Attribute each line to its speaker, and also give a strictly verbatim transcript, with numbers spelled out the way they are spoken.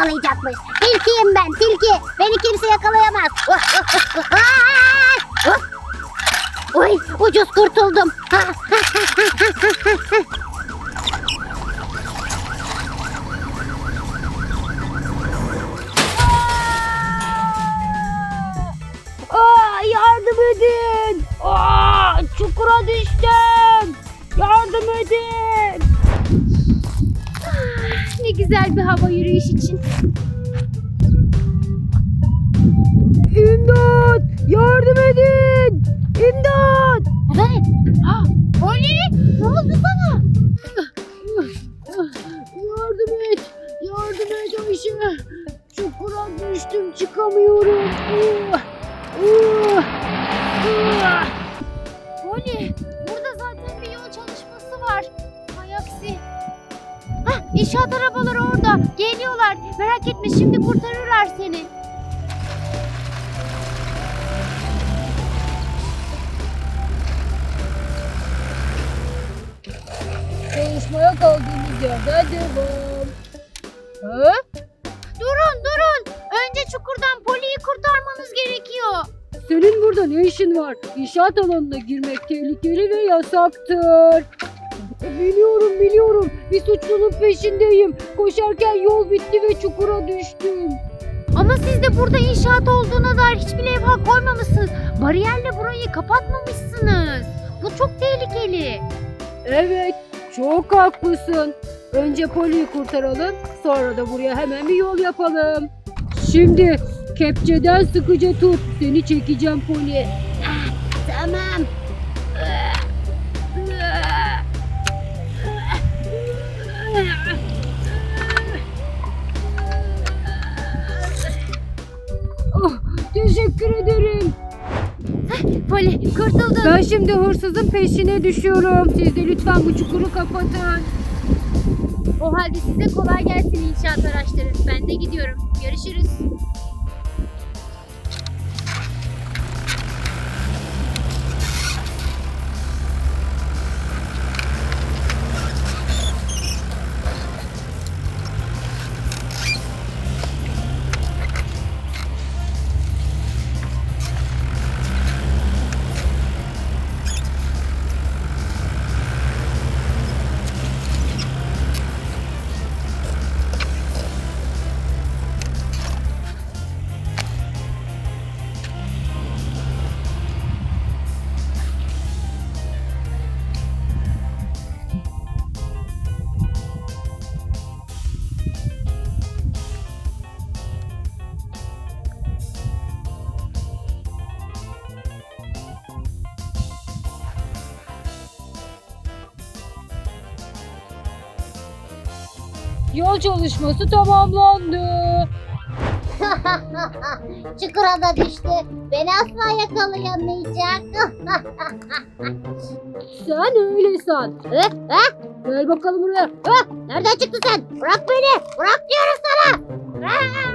Speaker 1: yakalayacakmış. Tilkiyim ben, tilki. Beni kimse yakalayamaz. Oy, ucuz kurtuldum.
Speaker 2: Aa, yardım edin. Aa, çukura düştüm. Yardım edin.
Speaker 1: Ne güzel bir hava yürüyüş için.
Speaker 2: İmdat! Yardım edin! İmdat!
Speaker 1: Evet. Ha, Poli, ne oldu sana?
Speaker 2: Yardım et! Yardım et Ayşe! Çukura düştüm, çıkamıyorum. Uh, uh, uh.
Speaker 1: Poli, burada zaten bir yol çalışması var. Hay aksi. Hah, inşaat arabaları orada. Geliyorlar. Merak etme, şimdi kurtarırlar seni.
Speaker 2: Çalışmaya kaldığımız yerden devam. Ha?
Speaker 1: Durun, durun. Önce çukurdan Poli'yi kurtarmanız gerekiyor.
Speaker 2: Senin burada ne işin var? İnşaat alanına girmek tehlikeli ve yasaktır. Biliyorum biliyorum. Bir suçlunun peşindeyim. Koşarken yol bitti ve çukura düştüm.
Speaker 1: Ama siz de burada inşaat olduğuna dair hiçbir levha koymamışsınız. Bariyerle burayı kapatmamışsınız. Bu çok tehlikeli.
Speaker 2: Evet, çok haklısın. Önce Poli'yi kurtaralım, sonra da buraya hemen bir yol yapalım. Şimdi kepçeden sıkıca tut. Seni çekeceğim Poli.
Speaker 1: Tamam.
Speaker 2: Oh, teşekkür ederim.
Speaker 1: Poli, kurtuldun.
Speaker 2: Ben şimdi hırsızın peşine düşüyorum. Siz de lütfen bu çukuru kapatın.
Speaker 1: O halde size kolay gelsin inşaat araçları. Ben de gidiyorum. Görüşürüz.
Speaker 2: Yol çalışması tamamlandı.
Speaker 1: Çukura da düştü. Beni asla yakalayamayacak.
Speaker 2: Sen öyle san.
Speaker 1: Hı? Ha?
Speaker 2: Gel bakalım buraya.
Speaker 1: Ha? Nereden çıktın sen? Bırak beni. Bırak diyorum sana. Aa!